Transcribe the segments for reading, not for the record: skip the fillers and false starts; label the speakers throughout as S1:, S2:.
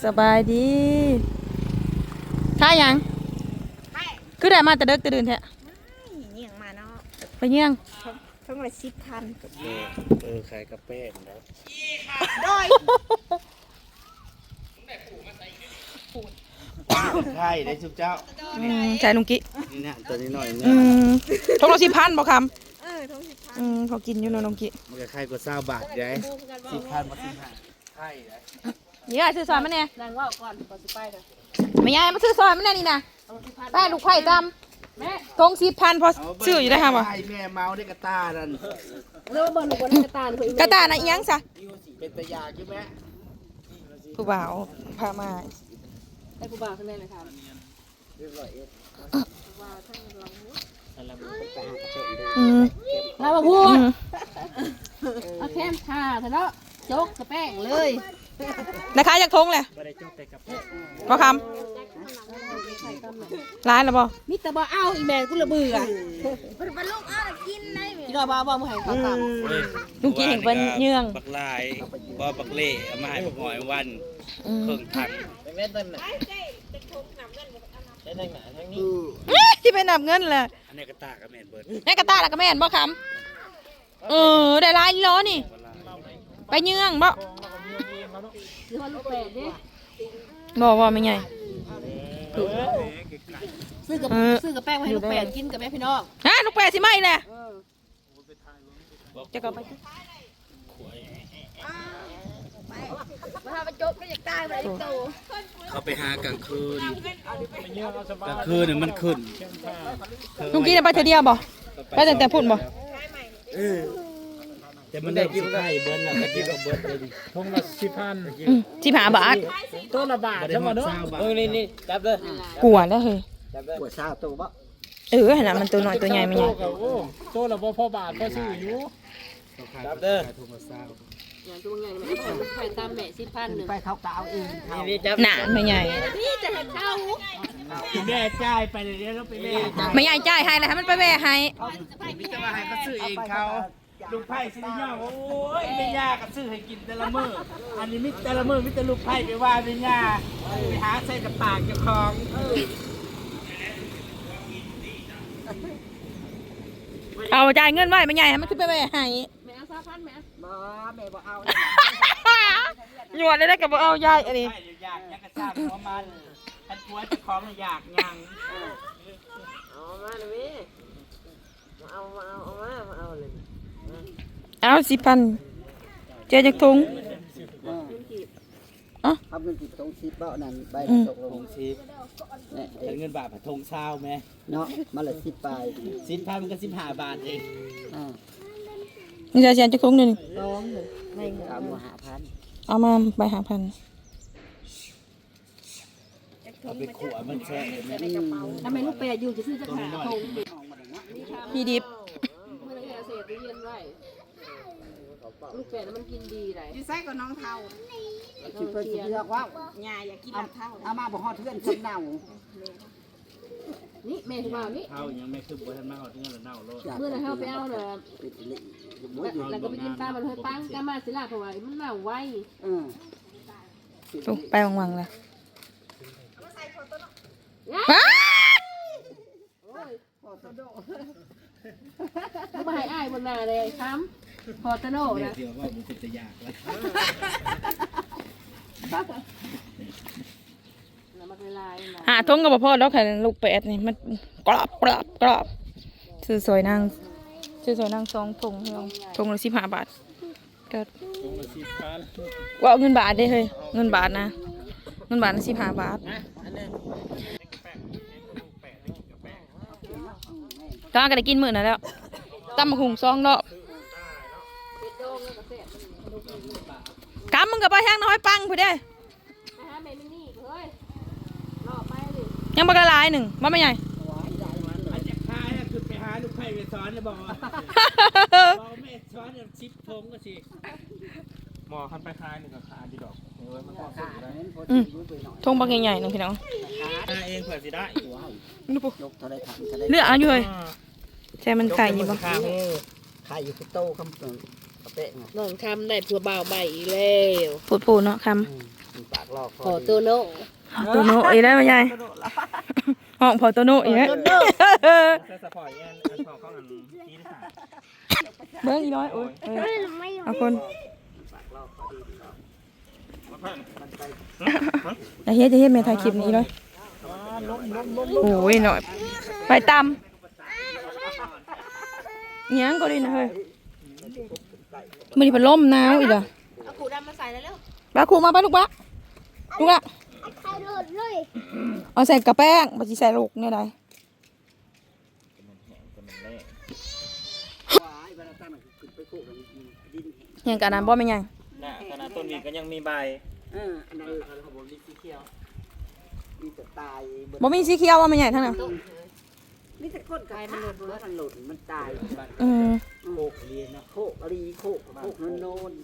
S1: สบายดีท่ายังคือได้มาแต่เด็กแต่เดินแท้
S2: เยี่ยงมาเนาะ
S1: ไปเยี่ยง
S2: ทั้งละ10,000
S3: ขายกาแฟนะใช่ได้ชุบเจ้า
S1: ใช่นุงกิ
S3: นี่เนี่ยตัวนี้หน่อยเนี่ย
S1: ทงละ10,000บ่คำ
S2: ทง10,000
S1: พอกินอยู่เนาะนุงกิ
S3: มันก็ไข่กว่า20 บาทไง10,000มา15ไข่เลย
S1: นี่ซื้อซอยมันแน่
S2: นางว่าก่อนสิไปเด้อ
S1: ไม่ยายมาซื้อซอยมันแน่นี่นะแป้ลูกไข่จำแม่ทง10,000พอซื้ออยู่ได้ค่ะบ่
S3: ไข่แม่เมาได้กระตานั่น
S2: แล้วเบิ่งลูกบ่ได้กระตาก
S1: ระตาน่ะอีหยังซะ
S3: เป็นตะยาใช่ไหม
S1: ผู้บ่าวพามา
S2: ให้ผู้บ่าวขึ้นได้เลยค่ะเรามาพูดเอาแคมท่าเถอะเนาะโจ๊กกระแป้งเลย
S1: นะคะอยากทงเลยบ่คำร้านหรอบ่
S2: มิตรบ่เอาอีแม่กูระเบื่อมันลูกเอากินได้ไหมพี่น้องบ่มึงให้เขาตาม
S1: ลุงกินเห็นเป็นเยื่อง
S3: บักลายบ่บักเล่เอามาให้บักหอยวันเครื่องถังแม่ต้นน่ะได้หนาทั้งนี้
S1: ที่ไปนับเงินแหละ
S3: อันนี้กระตากระแมนเบิร์ด
S1: นี่กระตาละกระแมนบ่คำได้ลายล้อนี่ไปเยื่องบ่
S2: ซื้อลูกแปดดิ
S1: บ่ไม่ไง
S2: ซื้อกับแป้งมาให้ลูกแปดกินกับแม่พี่น้อง
S1: ลูกแปดสิไม่แหละจะกลับไป
S2: มาไปจบไม่อยากตายไปโต
S3: เขาไปหากลางคืนกลางคืนเนี่ยมันขึ้น
S1: ลุงกี้ไปเธอเดียวบ่ไปแต่พุ่นบ่
S3: แต่มันได้กินไข่เบิ้ลแล้วก็กินกับเบิ้ลเลย
S4: ทงละ10,000
S1: 15 บาท
S4: ตัวละบาทใช่ไหมเนาะ
S3: นี่จับเลย
S1: กวนแล้วเฮ้ย
S3: กวดซ่าตัวบ่
S1: ขนาดมันตัวน้อยตัวใหญ่ไม่ใหญ่
S4: ตัวละบ่พอบาทพอซื้ออยู่
S3: จับเด้อ
S2: อย่างตัวใหญ่ไม่เอาไปตามแม่10,000นึง
S3: ไปเขาก็เอาเอง
S1: หนาไม่ใหญ่
S2: พี่จะให้เข้า
S3: แม่จ่ายไปเลยแล้วไปแม่
S1: ไม่ใหญ่จ่ายให้แล้วให้มันไปแม่ให้
S3: มิจะมาให้เขาซื้อเองเขาลูกไผ่สิย่อโอ้ยไม่ยากก็ซื้อให้กินแต่ละมื้ออันนี้มิแต่ละมื้อมิแต่ลูกไผ่ไปว่าไม่ยากไปหาใส่กระปากเจ้าของ
S1: เอาจ่ายเงินไว้ไม่ใหญ่ให้มันขึ้นไปแม่ให้
S2: แม่เอา3,000แม่แม่บ่เอา
S1: หยวดเลยได้กับบ่เอายายอันนี้
S3: อยากยังกระซ่าหัวมันอันผัวเจ้าของอยากยัง
S2: เอามาเลยเอาเลย
S1: เอา10,000เจ๊จากทง
S3: ทำเงินกี่ทง10บ่นั่นใบตกลง10เนี่ยเงินบาททงเช้าไหมเนาะมาละ10 บาท10,000มันก็15 บาทเอง
S1: นี่จะเสียจากทงนึง
S2: ร้องเลยไม่
S3: เอามา5,000
S1: เอามาใบ5,000
S3: เอาไปขวมันแช่
S2: ทำไมลูกแปดอยู่จะซื้อจะขาทง
S1: พี่ดิบ
S2: เมื่อไรเสร็จเรียนไว้ลูกแปดมันกินดีเลย
S5: อยู่ไส้กับน้องเทา
S3: คิดเพื่อนเลือกว่า
S5: หญ้าอยากกินน้ำเทา
S3: เอามาบอกฮอดเพื่อนสำเนา
S2: นี่แม่ที่มานี่
S3: เทายังไม่คือบ่ทันมาฮอดเพื่อนแล้วเน่าโลด
S2: เมื่อไรเฮาไปเอาเด้อแล้วก็ไปกินตามมันเฮ้ยปังกามาสิล่ะเพราะว่ามันเน่าไว
S1: ไปวังๆเลย
S2: มาให้อ้ายบนหน้าเลยครับพอตโน่นะ
S3: เดี๋ยวว่ามันเป็นตะยากแล้ว
S1: ทงกับพ่อแล้วค่ะลูก8นี่มันกรอบซื้อสวยนาง2ทงทงละ15 บาทก็ว่าเงินบาทได้เฮ้ยเงินบาทนะเงินบาทนะ15 บาทตอนก็ได้กินมื้อนั้นแล้วตำบักหุ่ง2 รอบกำมึงกับไปแห้งน้อยปังผู้เด้ยังบักละลาย1บ่ไม่ใหญ่
S3: อันจะคายคือไปหาลูกไผ่ไปสอนแล้วบอกแม่สอน10 ทงก็สิ
S4: หมอคันไปคายนี่ก็ขาดีดอกมันก็ขาได้
S1: ทงบักใหญ่ๆนึงพี่น้อง
S3: เองเผื่อสิได้
S1: นี่ปุ๊เลือกเอาอยู่เลยใช่มันไข่อยู่บ่
S3: ไข่อยู่โตคำเป๊ะ
S2: น้องคำได้ผัวบ่าวใหม่อีกแล้ว
S1: พูดเนาะคำ
S3: ปากลอก
S2: ขอตัวโน
S1: ตัวโนอีกแล้วมาใหญ่ห้องพอตัวโนอีกแล้ว
S4: ใส่สปอร์ตแอนอันของเขาอันที่ที่สาม
S1: เบิ้งอีน้อยโอ้ยเอาคนอย่าเฮ็ดแม่ถ่ายคลิปนี้เลยโอ้ยหน่อยไปตำยังก็ดีนะเฮ้ยมันนี่เป็นลมหนาวอีกอ่ะ
S2: เอาขูดำมาใส่แล้วเร็ว
S1: บ้าครูมาไปลูกบ้าลูกละเอาใส่กระแป้งมาจีใส่ลูกเนี่ยได้ยังกะน้ำบ่ไม่ยัง
S4: น่ะขนาดต้นวีก็ยังมีใบ
S3: อันนั้นเขาบอกมีสีเขียวมีแต่ตาย
S1: บ่มีสีเขียวว่าไม่ใหญ่ทั้งนั้น
S3: มีแต่คนกายมันหล่นมันตาย โคกเรียนนะโคกรีโคกโนน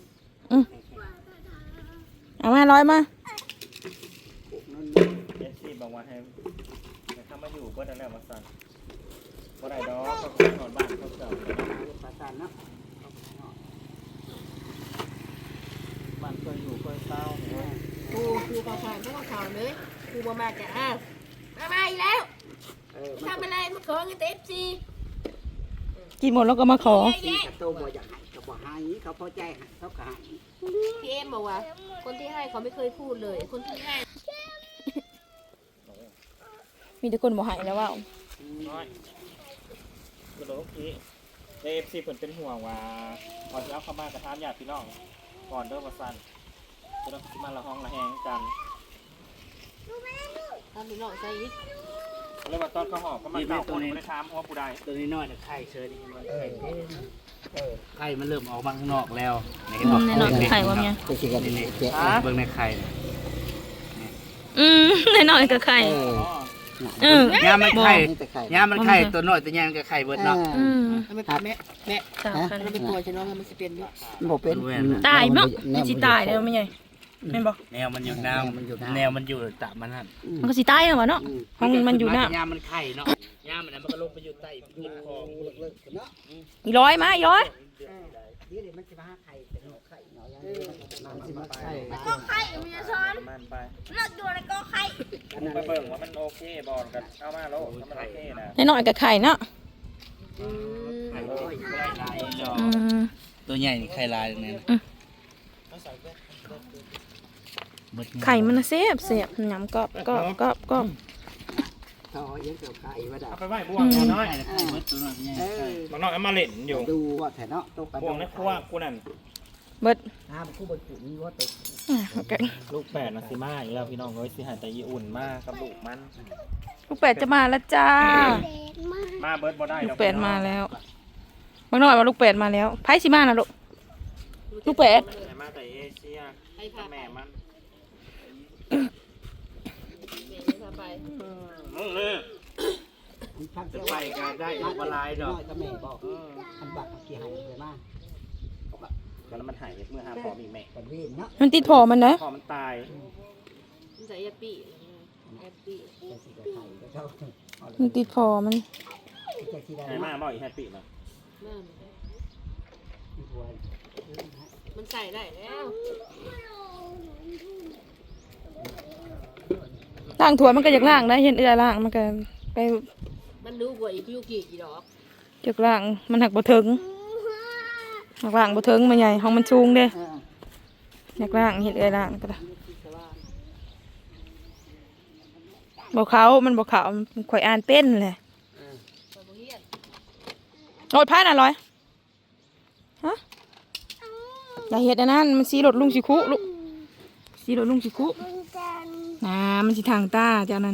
S1: เอามาร้อยมา
S4: เอฟซีบอกว่าให้ถ้ามาอยู่ก็ได้แล้วมาสั่นก็ได้ดอกก็นอนบ้านเขาเก่า
S3: ประสานนะ
S4: บ้านเคยอยู่เคยเศร้า
S2: ครูขอผ่านไม่ต้องข่าวเลยครูมาจะมาอีกแล้วทำอะไรมาขอเงินเต็มซี
S1: กินหมดแล้วก็มาขอ
S3: ที่กระโตบ่อยากให้เขาบอกให้เขาพอใจให้เขาก็ให้
S2: พี่เอ็มบอกว่า คนที่ให้เขาไม่เคยพูดเลย คนที่ให้
S1: มีแต่คนบอกหายแล้วว่า
S4: น้อยคือโอเคเอฟซีเพิ่นเป็นห่วงว่าก่อนที่เอาเข้ามากระทำญาติพี่น้องก่อนเด้อมาสั่นจะต้องมาละห้องละแหงกัน
S2: ตอนนี้น้องใจอีก
S4: เรียกว่าตอนเขาหอบก็มาเก่าคนไม่ได้ถามว่าผู้ใด
S3: ตัวนี้น้อยไข่เชิญไข่มันเริ่มออกมาข้างนอกแล้วเห็นบอก
S1: แน่นอนไข่ว่าเนี่ย
S3: ตัวที่กันนี่เบิ่งในไข่
S1: แน่นอนกับไข่
S3: ยามมันไข่ยามมันไข่ตัวน้อยตัวใหญ่มันก็ไข่เบิดเนาะ
S2: ไม่เป็นแม่ เราเป็นตัวจะน้องมันจะเป็นด้วย
S3: บ่เป็น
S1: ตายมั้งมันสิตายแล้วไม่ใหญ่แม่นบอก
S3: แนวมันอยู่น้ำแนวมันอยู่ตามมันนั่น
S1: มันก็สิตายแล้ววะเนาะห้องมันอยู่น่ะ
S3: ยามมันไข่เนาะยามมันมันก็ลงไปอยู่ใต้พื้นคลอง
S1: อีร้อยมาอีร้อย
S3: เดี๋ยวมันจะมาไข่เป็นไข่เนาะมันสิมาไข่
S5: ก็ไข่มีช้อน
S4: มันไป
S5: เลือกดูในก็ไข่
S4: ไปเบิ่งว่ามันโอเคบอลกันเอามาแล้วถ้ามันโอเคนะ
S1: แน่นอนกับไข่เนาะ
S3: ตัวใหญ่ไข่ลายเนี่ย
S1: ไข่มันเสียบหยำกรอบกรอบกรอบกรอบ
S3: เขายังเกี่ยวไข่ว่าดา
S4: เอาไปไหว้บวงน้อย
S3: ไข่เบิดตัวน้อยใหญ่
S4: มันน้อยเอามาเล่นอยู่
S3: ดูว่าแถเนาะตก
S4: บวงในครัวกูนั่น
S1: เบิด
S3: น้ำคู่บนจุดนี้ว่าตก
S4: ลูกแปดนะสิมาอีกแล้วพี่น้องเอ้ยสิหายแต่ยีอุ่นมากกับลูกมัน
S1: ลูกเป็ดจะมาแล้วจ้า
S4: มาเบิร์ดบ่ได้
S1: ลูกเป็ดมาแล้วบางหน่อยว่าลูกเป็ดมาแล้วไพ่สิมานะลูกลูกเป็ด
S4: มาแต่เอเชียแม่มัน
S2: ไป
S4: มึงเลย
S3: จะไปกันได้ว่าลายดอกก็แม่บอกอันบักกี่หายไปมาก
S4: แล้วมันหายเมื่อหาพอมีแม่
S3: กันวิ่งเนาะ
S1: มันติดพอมันนะ
S4: พอมันตาย
S2: มันใส่แอปปี้แอปปี้
S1: มันติดพอมัน
S4: หายมาบ่อยแฮปปี้เนาะ
S2: มันใส่ได้แล้ว
S1: ล่างถั่วมันก็อยากล่างได้เห็นเอื้อล่างมันก็ไป
S2: มันดูกว่าอีกลูกกี่ดอก
S1: อยากล่างมันหักบ่ถึงหักล่างบ่ถึงมันใหญ่ห้องมันสูงเด้อยากล่างเห็นเอื้อล่างก็ได้บ่เขามันบ่เขามันข่อยอ่านเป็นเลยรถพายน่ะร้อยฮะอย่าเฮ็ดอันนั้นมันสีรถลุงสิคุลูกสีรถลุงสิคุน่ะมันสิทางตาเจ้านั้น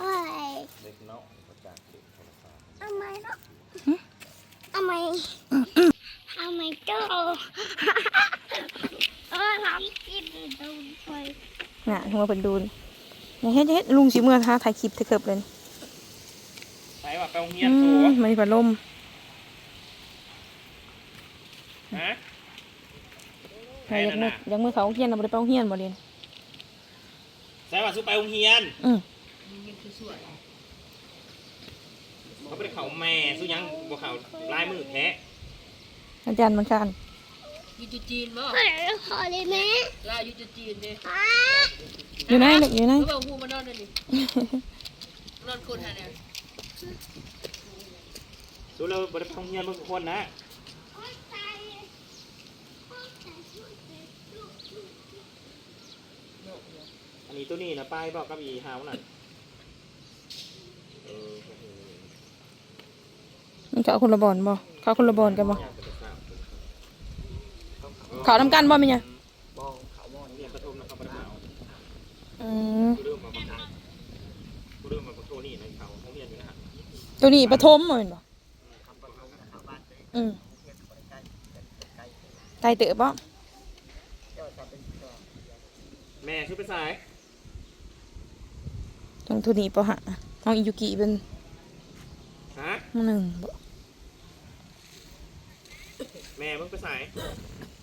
S5: เอาไหมเนาะเอาไหมเอาไหมเจ้าทำกินดูไป
S1: น่ะหัวเพิ่นดูนอย่าเฮ็ดลุงสิเมื่อท้าถ่ายคลิปเถอะเกิบเลย
S4: ใส่ว่าไปโรงเรียนตัว
S1: มันมีพัดลม
S4: ฮะ
S1: ใครยังมือเขาเฮียนเราบ่ได้ไปโรงเฮียนบ่เรียน
S4: ใส่ว่าสู้ไปโรงเรียนเขาไปเขาแม่สู้ยังบ่เขาลายมือแท้
S1: อาจารย์มันคัน
S2: อยู่จุดจีนบ่
S5: ขอขอเลยแม่
S2: ลาอยู่จุดจีนดิ
S5: อ่า
S1: อยู่ไหนลูกอยู่ไหน
S2: เขาบอกหูมานอนนั่นนี่นอนคนหาเนี่ย
S4: ดูเราบริษัทเฮียนเบิ่งคนนะอันนี้ตัวนี้นะป้ายบอกกับอีฮาวนั่นเออ
S1: มันเขาคนละบอลบ่เขาคนละบอลกันบ่เขาทำกันบ่แม่เนี่ย
S4: บ้องเขาบ้องเรียนประทุมนะครับประทุม
S1: อืม
S4: กูเริ่มมาประทุมกูเริ่มมาประทุมนี่ในเขาเขาเรียนอยู่นะฮะ
S1: ตัวนี้ปฐมบ่แม่นบ่อืมไกลเต๋อบ่
S4: แม่ชื่อเป็นสาย
S1: ตรงตัวนี้ปะหะน้องอิยุกิเป็น
S4: ฮะ
S1: หนึ่งบ่
S4: แม่มึงเป็นสาย